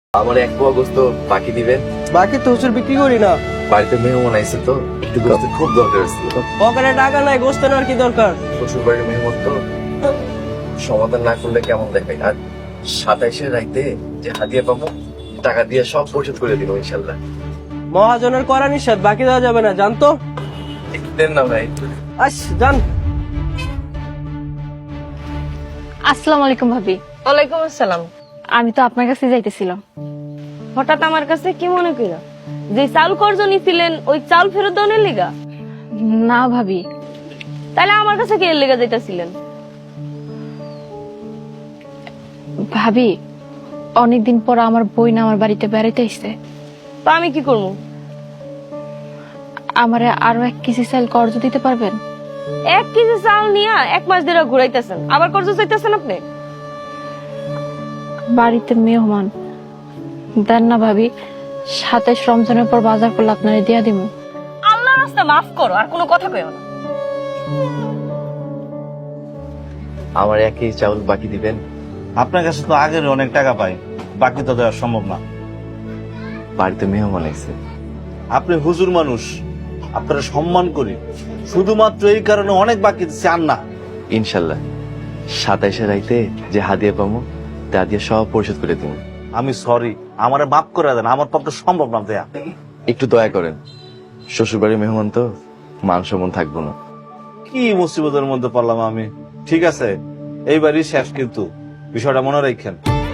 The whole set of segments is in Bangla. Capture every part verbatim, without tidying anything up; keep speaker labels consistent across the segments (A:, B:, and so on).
A: আমার এক পোয়া গোস্ত বাকি দিবেন।
B: বাকি তো হুজুর বিক্রি করি না।
A: বাড়িতে মেহমান আইছে তো একটু গোস্ত খুব দরকার ছিল।
B: পকেটে টাকা নাই, গোস্ত নেওয়ার কি দরকার?
A: শ্বশুর বাড়ির মেহমান তো সমাধান না করলে কেমন দেখায়। আর সাতাইশে রাইতে যে হাদিয়া পাবো টাকা দিয়ে সব পরিশোধ করে দিব ইনশাল্লাহ।
B: মহাজনের করা নিষেধ, বাকি দেওয়া যাবে না, জানতো?
A: একটু দেন না ভাই।
B: আস জান।
C: আসসালামু আলাইকুম ভাবি।
D: ওয়ালাইকুম আসসালাম।
C: আমি তো আপনার কাছে যাইতেছিলাম।
D: হঠাৎ আমার কাছে কি মনে কইরা? যে চাল কর্জ নিছিলেন ওই চাল ফেরত দেওয়ার লিগা?
C: না ভাবি।
D: তাহলে আমার কাছে কি এর লিগা যাইতাছিলেন?
C: ভাবি, অনেকদিন পর আমার বই না আমার বাড়িতে বেড়াইতে আসছে।
D: তো আমি কি করবো?
C: আমারে আরো এক কেজি চাল কর্জ দিতে পারবেন?
D: এক কেজি চাল নিয়া এক মাস ধরে ঘুরাইতেছেন, আবার কর্জ চাইতেছেন আপনি?
C: বাড়িতে মেহমান দেন না ভাবি, সাতাইশ রমজানের পর বাজার করলে আপনারে দিয়া দিব।
D: আল্লাহ রাস্তা মাফ করো, আর কোনো কথা কইও না।
A: আমার এক কেজি চাউল বাকি দিবেন।
E: আপনার কাছে তো আগের অনেক টাকা পাই, বাকি তো দেওয়া সম্ভব না।
A: বাড়িতে মেহমান আইছে।
E: আপনি হুজুর মানুষ, আপনারা সম্মান করি, শুধুমাত্র এই কারণে অনেক বাকি চান না।
A: ইনশাল্লাহ সাতাইশে রাইতে যে হাদিয়া পাবো তা দিয়ে সব পরিশোধ করে দিব।
E: আমি সরি, আমারে মাফ করে দেন, আমার পক্ষে সম্ভব না দেয়া।
A: একটু দয়া করেন, শ্বশুর বাড়ির মেহমান তো মান সম্মান থাকবো না।
E: কি মুসিবতের মধ্যে পড়লাম আমি। ঠিক আছে, এইবারই শেষ, কিন্তু বিষয়টা মনে রাখেন।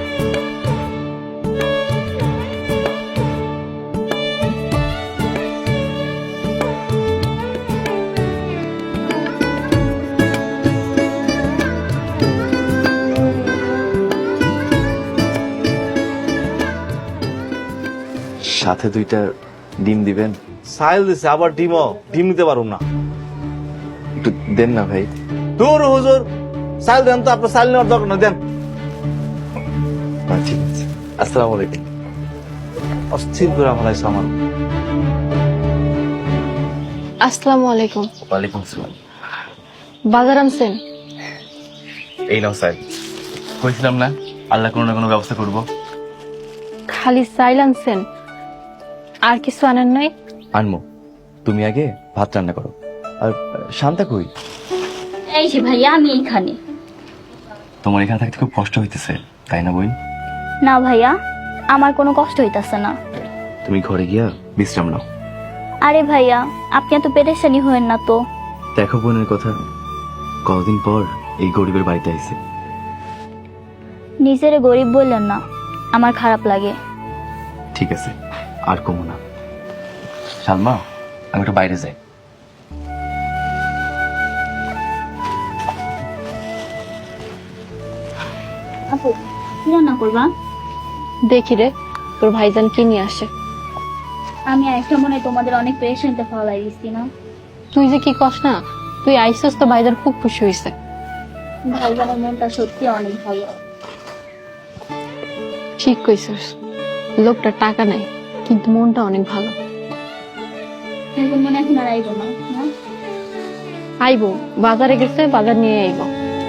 A: সাথে দুইটা ডিম দিবেন।
E: সাইল দিছে, আবার ডিমও ডিম নিতে পারুম না।
A: একটু দেন না ভাই।
E: দূর হুজুর, সাইল দেন তো, আপনার সাইল নেওয়ার দরকার না, দেন।
A: আচ্ছা, ঠিক আছে। আসসালামু আলাইকুম।
E: অস্থির করে ফেলাইছে আমার।
C: আসসালামু আলাইকুম।
A: ওয়ালাইকুম আসসালাম।
C: বাজার আনছেন?
A: এই নাও স্যার, কইছিলাম না আল্লাহ কোনো না কোনো ব্যবস্থা করব।
C: খালি চাইল আনছেন, আর কিছু আনেন নাই?
A: আনমো, তুমি আগে ভাত রান্না করো। আর শান্তা কই?
F: এই যে ভাইয়া, আমি এখানে।
A: তোমার এখানে থাকতে খুব কষ্ট হইতেছে তাই না বোন?
F: না ভাইয়া, আমার কোনো কষ্ট হইতাছে না।
A: তুমি ঘরে গিয়া বিশ্রাম নাও।
F: আরে ভাইয়া, আপনি এত পেরেশানি হয়েন না তো।
A: দেখো বোনের কথা, কতদিন পর এই গরিবের বাড়িতে আইছে।
F: নিজেরে গরিব বললেন না, আমার খারাপ লাগে।
A: ঠিক আছে, আর কমো না। সালমা, আমি একটু বাইরে যাই।
F: আপু, কি রান্না করবা?
C: দেখি রে তোর ভাইজান কি নিয়ে আসে।
F: আমি একটা মনে হয় তোমাদের অনেক পেরেশানিতে ফলাই দিচ্ছি না।
C: তুই যে কি কস না, তুই আইসস তো ভাইজান খুব খুশি হয়েছে।
F: ভাইজানের মনটা সত্যি অনেক ভালো।
C: ঠিক কইছিস, লোকটা টাকা নাই কিন্তু মনটা অনেক ভালো।
F: এখন মনে এখন আর আইবো না, না?
C: আইবো, বাজারে গেছে, বাজার নিয়ে আইবো।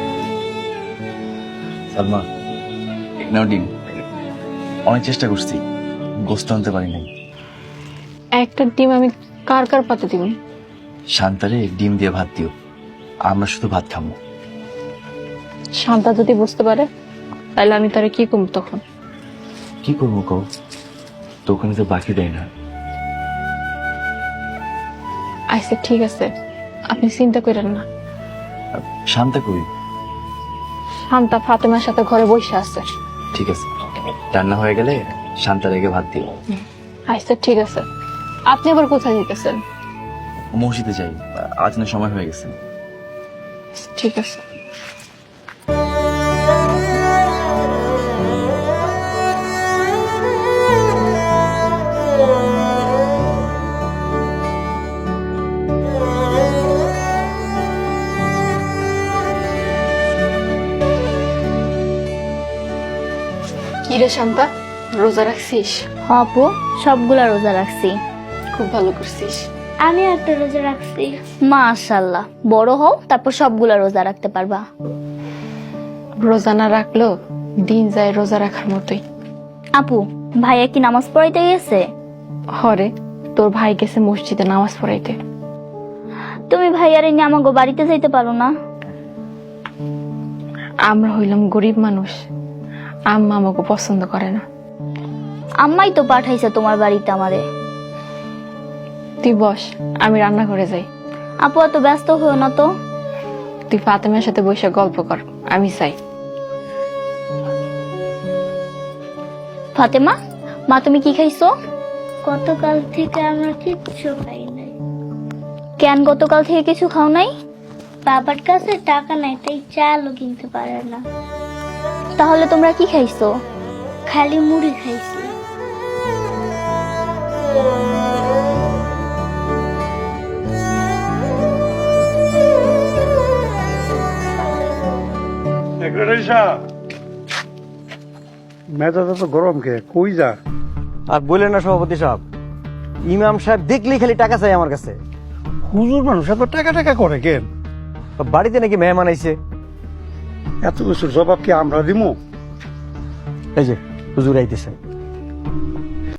A: সালমা, এক নাও ডিম। অনেক চেষ্টা করছি, গোস্ত আনতে পারি নাই।
C: একটা ডিম আমি কার কার পাতে দিব?
A: শান্তারে ডিম দিয়ে ভাত দিও, আমরা শুধু ভাত খাবো।
C: শান্তা যদি বুঝতে পারে তাহলে আমি তারে কি করবো তখন?
A: কি করবো কও, তো ওখানে তো বাকি দেয় না।
C: আচ্ছা ঠিক আছে, আপনি চিন্তা করেন না।
A: আর শান্তা কই?
C: শান্তা ফাতেমার সাথে ঘরে বসে আছে।
A: ঠিক আছে, রান্না হয়ে গেলে শান্তা রেগে ভাত দিও।
C: আচ্ছা ঠিক আছে। আপনি আবার কোথায় যেতেছেন?
A: মসজিদে যাই, আজানের সময় হয়ে গেছে।
C: ঠিক আছে। কিরে শান্তা, রোজা রাখছিস?
F: হ আপু, সবগুলা রোজা রাখছি।
C: খুব ভালো করছিস।
F: আমি একটা রোজা রাখছি। মাশাআল্লাহ, বড় হও তারপর সবগুলা রোজা রাখতে পারবা।
C: রোজা না রাখলেও দিন যায় রোজা রাখার মতোই।
F: আপু, ভাইয়া কি নামাজ পড়াইতে গেছে?
C: হরে, তোর ভাই গেছে মসজিদে নামাজ পড়াইতে।
F: তুমি ভাইয়ারে নিয়ে আমাকে বাড়িতে যাইতে পারো না?
C: আমরা হইলাম গরিব মানুষ, আম্মা আমাকে পছন্দ করে না।
F: আম্মাই তো পাঠাইছে তোমার বাড়িতে আমারে।
C: তুই বস, আমি রান্না করে যাই।
F: আপু এত ব্যস্ত হয়েও না তো।
C: তুই ফাতেমার সাথে বসে গল্প কর, আমি চাই।
F: ফাতেমা, মা তুমি কি খাইছো? গতকাল থেকে আমরা কিচ্ছু খাই নাই। কেন গতকাল থেকে কিছু খাও নাই? বাবার কাছে টাকা নাই, তাই চালও কিনতে পারে না। তাহলে তোমরা কি খাইছো? খালি মুড়ি খাইছি।
G: মেজাজটা তো গরম কে, কই যা?
H: আর বললেন না সভাপতি সাহেব, ইমাম সাহেব দেখলেই খালি টাকা চাই আমার কাছে।
G: হুজুর মানুষ এত টাকা টাকা করে কেন?
H: বাড়িতে নাকি মেহমান আইছে।
G: এত কিছুর জবাব কি আমরা দিমু?
H: এই যে হুজুর আইতেছে।